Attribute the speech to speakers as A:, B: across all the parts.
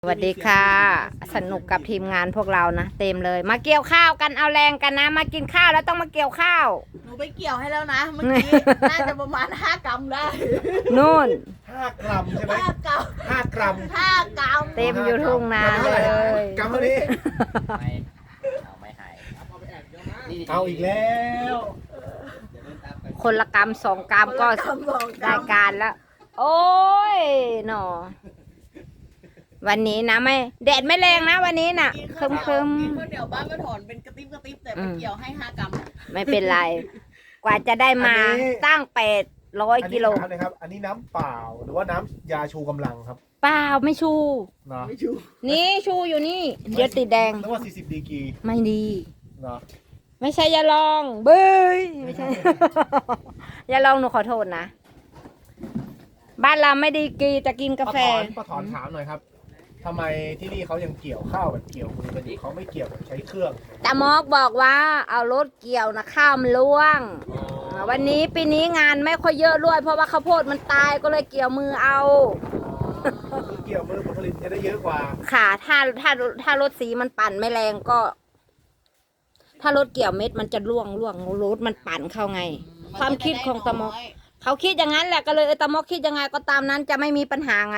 A: สวัสดีค่ะสนุกกับทีมงานพวกเรานะเต็มเลยมาเกี่ยวข้าวกันเอาแรงกันนะมากินข้าวแล้วต้องมาเกี่ยวข้าว
B: หนูไปเกี่ยวให้แล้วนะเมื่อกี้ น่าจะประมาณ5 กรัมได้
A: นู่น
C: 5 กรัมใช่ไหม
B: 5 กรัม
C: 5 กรัม
B: 5 กรัม
A: เต็มอยู่ทุ่งนาเลย
C: กรัมเท่านี้
D: ไม่หาย
C: เอาอีกแล้ว
A: คนละกรัม2 กรัมก็ได้การแล้วโอ้ยหนอวันนี้นะไม่แดดไม่แรงนะวันนี้น่ะคึม
B: กินข้าวเหนียวบ้านก็ถอนเป็นกระติ๊บแต่ไปเกี่ยวให้5 กรัม
A: ไม่เป็นไรกว่าจะได้มาตั้ง800 กิโล
C: นะครับอันนี้น้ำเปล่าหรือว่าน้ำยาชูกำลังครับ
A: เปล่าไม่ชู
C: เนาะ
A: นี่ชูอยู่นี่เดี๋ยวติดแดง
C: นึกว่า40 ดีกรี
A: ไม่ดี
C: เนาะ
A: ไม่ใช่ยาลองเบ้ยไม่ใช่ ยาลองหนูขอโทษนะบ้านเราไม่ดีกรีจะกินกาแฟ
C: ป้าถอนถามหน่อยครับทำไมที่นี่เขายังเกี่ยวข้าวแบบเกี่ยวมือกันอยู่เขาไม่เกี่ยวแบบใช้เครื่อง
A: ตามอกบอกว่าเอารถเกี่ยวนะข้าวมันล่วงวันนี้ปีนี้งานไม่ค่อยเยอะด้วยเพราะว่าข้าวโพดมันตายก็เลยเกี่ยวมือเอา
C: เกี่ยวมือผลผลิตจะได้เยอะกว่า
A: ค่ะถ้ารถสีมันปั่นไม่แรงก็ ถ้ารถเกี่ยวเม็ดมันจะล่วงรถมันปั่นเข้าไงความคิดของตามอกเขาคิดอย่างนั้นแหละก็เลยตามอกคิดยังไงก็ตามนั้นจะไม่มีปัญหาไง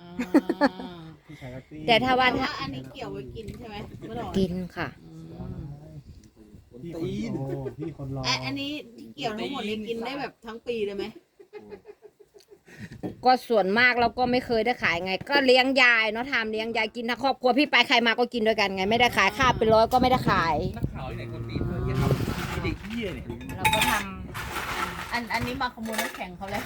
A: แต่ถ้าว่า
B: อันนี้เกี่ยวไว้กินใช่ไหม
A: กินค่ะ
C: พี่คนรอ
B: อันนี้เกี่ยวทั้งหมดนี้กินได้แบบทั้งปีเลยไหม
A: ก็ส่วนมากเราก็ไม่เคยได้ขายไงก็เลี้ยงยายเนาะทำเลี้ยงยายกินทั้งครอบครัวพี่ไปใครมาก็กินด้วยกันไงไม่ได้ขายข้าวเป็นร้อยก็ไม่ได้ขาย
D: นักข่าวไหนคนนี้เพื่อนที่ทำเด็กเหี้ยเนี่ย
A: เราก็ทำ
B: อันนี้มาขโมยน้ำแข็งเขาเลย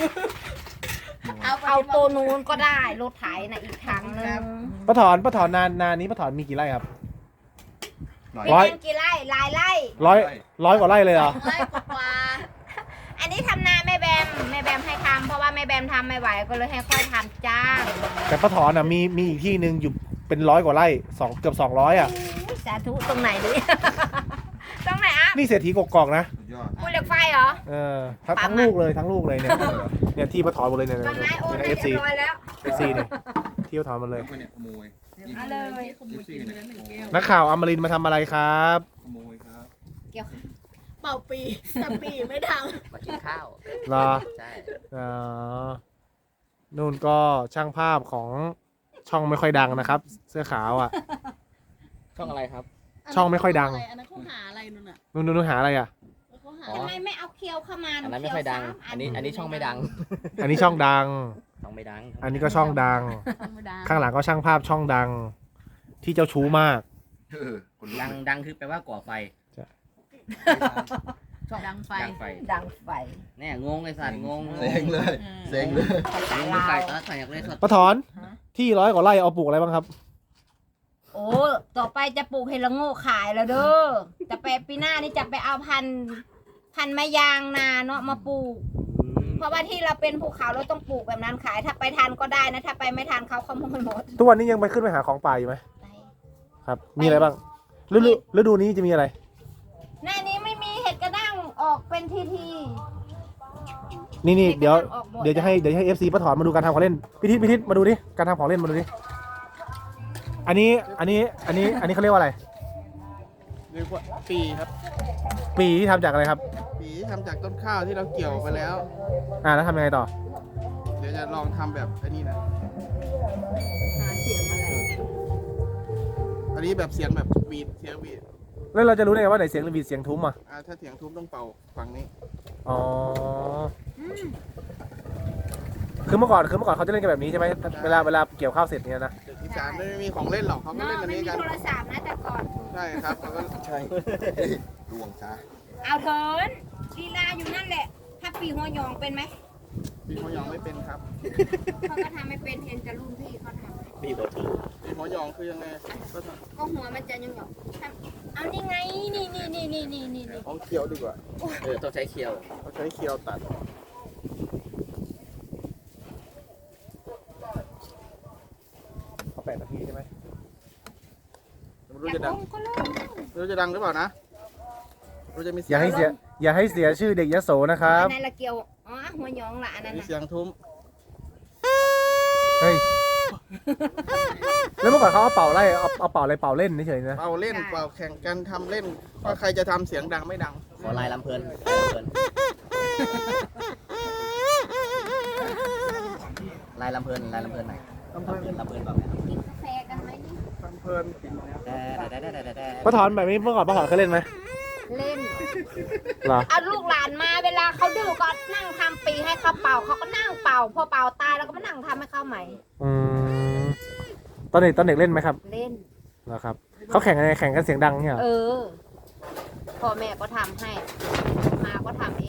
A: เอาตัวนู้นก็ได้รถไถนะอีกทางนึง
C: ป้าถอนนานี้ป้าถอนมีกี่ไร่ครับ
A: กี่ไร่หลายไร่
C: ร้อยกว่าไร่เลยเหรอ
B: ไร่กว่า
A: อันนี้ทำนาแม่แบมให้ทำเพราะว่าแม่แบมทำไม่ไหวก็เลยให้ค่อยทำจ้าง
C: แต่ป้าถอนมีอีกที่หนึ่งอยู่เป็น100 กว่าไร่เกือบ200อ่ะ
A: สาธุตรงไหนดิตรงไหนอ่ะ
C: นี่เศรษฐีกกอกนะ
A: ภูเหล็กไฟเหรอ
C: ทั้งลูกเลยเนี่ยที่ป้าถอนหมดเลยเนี่ย
A: เอฟซี
C: เนี่ยที่ป้าถอนหมดเลย
A: เอาเลย
C: นักข่าวอมรินทร์มาทำอะไรครับ
D: ขโมยครับ
A: เกี่ยว
B: เป่าปีแต่ปีไม่ดัง
D: มากินข้าว
C: เหรอ
D: ใช่
C: นู่นก็ช่างภาพของช่องไม่ค่อยดังนะครับเสื้อขาวอ่ะ
D: ช่องอะไรครับ
C: ช่องไม่ค่อยดัง
B: อันนั้นเขาหาอะไร
C: นู่นหาอะไรอ่ะ
A: ทำไมไม่เอาเคียวเข้ามา
D: อันนั้นไม่ค่อยดังอันนี้ช่องไม่ดัง
C: อันนี้ช่องดัง
D: ช่องไม่ดัง
C: อันนี้ก็ช่องดังข้างหลังก็ช่างภาพช่องดังที่เจ้าชู้มาก
D: ดังคือแปลว่าก่อไฟ
B: ช่องดังไฟ
D: แน่งงเลยสัตว์งง
C: เซ็งเลย
D: ใส่อยากเลยสัตว์
C: ป้าถอนที่100 กว่าไร่เอาปลูกอะไรบ้างครับ
A: โอ้ต่อไปจะปลูกเห็ดละโง่ขายแล้วเด้อจะไปปีหน้านี่จะไปเอาพันไม้ยางนาเนาะมาปลูกเพราะว่าที่เราเป็นภูเขาเราต้องปลูกแบบนั้นขายถ้าไปทันก็ได้นะถ้าไปไม่ทันเขาขโมยหมด
C: ทุกวันนี้ยังไปขึ้นไปหาของป่าอยู่ไหมครับมีอะไรบ้างฤดูนี้จะมีอะไร
A: หน้านี้ไม่มีเห็ดกระด้างออกเป็นที
C: นี่เดี๋ยวจะให้FC ป้าถอนมาดูการทำของเล่นพิทิศมาดูดิการทำของเล่นมาดูดิอันนี้เขาเรียกว่าอะไร
E: เรียกว่าปีครับ
C: ปีที่ทำจากอะไรครับ
E: ปีที่ทำจากต้นข้าวที่เราเกี่ยวไปแล้ว
C: แล้วทำยังไงต่อ
E: เดี๋ยวจะลองทำแบบอันนี้นะ
A: หาเสียงอะไร
E: อันนี้แบบเสียงแบบวีดเสียงวีด
C: แล้วเราจะรู้ได้ไงว่าไหนเสียงวีดเสียงทุ้ม
E: ถ้าเสียงทุ้มต้องเป่าฝั่งนี้
C: อ๋อคือเมื่อก่อนเขาจะเล่นกันแบบนี้ใช่ไหมเวลาเกี่ยวข้าวเสร็จเนี่ยนะ
E: อีสานไม่มีของเล่นหรอกเขาไม่เล่นอันนี้กัน
A: โทรศัพท์นะแต่ก่อน
E: ใช่ครับแล้วก็ใช่ดวงจ้า
A: เอาเถินลีลาอยู่นั่นแหละถ้าปีหัวยองเป็นไหม
E: ปีหัวยองไม่เป็นครับ
A: เขาก็ทำไม่เป็นเห็นจะรุ่นพี่เขาทำ
D: ปีหั
E: วยองคือยังไง
A: ก็หัวมันจะยังหยองเอานี่ไงนี่
E: เอาเคี้ยวดีกว่า
D: ต้องใช้เคี้ยว
E: ตัด
C: 8 นาทีใช่ไหม
E: ไม่รู้จะดังหรือเปล่านะจะมี
C: อย่าให้เสียชื่อเด็กยโสนะครับ
A: ในละเกียวหัวยองละอันนั้น
E: มีเสียงทุ้ม
C: เฮ้ยแล้วเมื่อก่อนเขาเอาเป่าไล่เอาเป่าอะไรเป่าเล่นเฉยๆนะ
E: เป่าเล่นเป่าแข่งกันทำเล่นว่าใครจะทำเสียงดังไม่ดัง
D: ขอลายลำเพลินลายลำเพลินลายลำเพลินหน่อยลำเพลินลำเพลินแบบไหน
A: กินกาแฟกันไหมนี่
E: เพลิน
C: ป้าถอนแบบนี้เมื่อก่อนป้าถอนเคยเล่นไหม
A: เล่น
C: เหรอ
A: เอาลูกหลานมาเวลาเขาดื้อก็นั่งทำปีให้เขาเป่าเขาก็นั่งเป่าพอเป่าตายแล้วก็มานั่งทำให้เขาใหม่
C: อืมตอนเด็กเล่นไหมครับ
A: เล่น
C: เหรอครับเขาแข่งกันไงแข่งกันเสียงดังเนี่ยเหรอ
A: เออพ่อแม่ก็ทำให้มาก็ทำเอง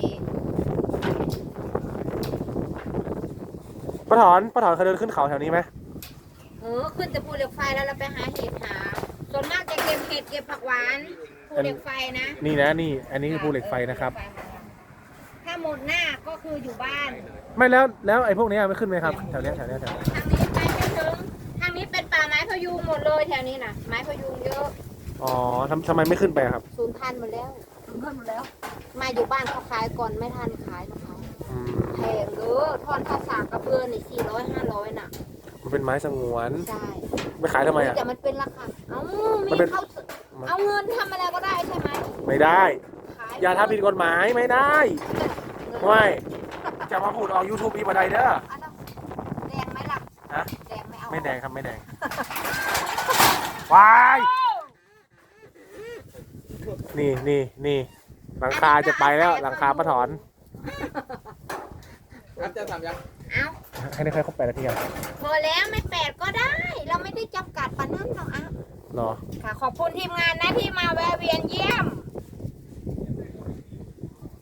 C: ป้าถอนเคยเดินขึ้นเขาแถวนี้ไหม
A: ขึ้นแต่ภูเหล็กไฟแล้วเราไปหาเห็ดหาส่วนมากจะเก็บเห็ดเก็บผักหวานภูเหล็กไฟนะ
C: นี่นะนี่ อันนี้คือภูเหล็กไฟนะครับ
A: ถ้าหมดหน้าก็คืออยู่บ้าน
C: ไม่แล้วไอ้พวกนี้ไม่ขึ้นไหมครับแถวเนี้ย
A: ทางนี้ไปไม่ถึงทางนี้เป็นป่าไม้พะยุงหมดเลยแถวนี้นะไม้พะยุงเยอะ
C: อ๋อทำไมไม่ขึ้นไปอะครับ
A: สูญพันธุ์หมดแล้วมาอยู่บ้านเขาขายก่อนไม่ทันขายของเขา
C: อืม
A: แพงเด้อทอนข้าวสากกระเบือนี่400-500น่ะ
C: มันเป็นไม้สงวน
A: ใช่
C: ไปขายทำไมอ่ะ
A: แต่มันเป็นราคามี
C: มันเป็น
A: เขาเอาเงินทำอะไรก็ได้ใช่ไหม
C: ไม่ได้
A: ขาย
C: อย่าทำผิดกฎหมายไม่ได้ไม่จะมาพูดออก YouTube อีกบันไดเด้อ
A: เอาแล้วแดงไหมล่ะ
C: ฮะ
A: แดงไม่เอา
C: ไม่แดงครับไม่แดงวายนี่หลังคาจะไปแล้วหลังคาป้าถอน
E: ครับจะทำยัง
A: เอา
C: ให้ได้แค่ครบ8 นาทีครับ
A: พอแล้วไม่8ก็ได้ เราไม่ได้จำกัดปานนั้นหรอกอ่ะ
C: เหรอ
A: ค่ะ ขอบคุณทีมงานนะที่มาแวะเวียนเยี่ยม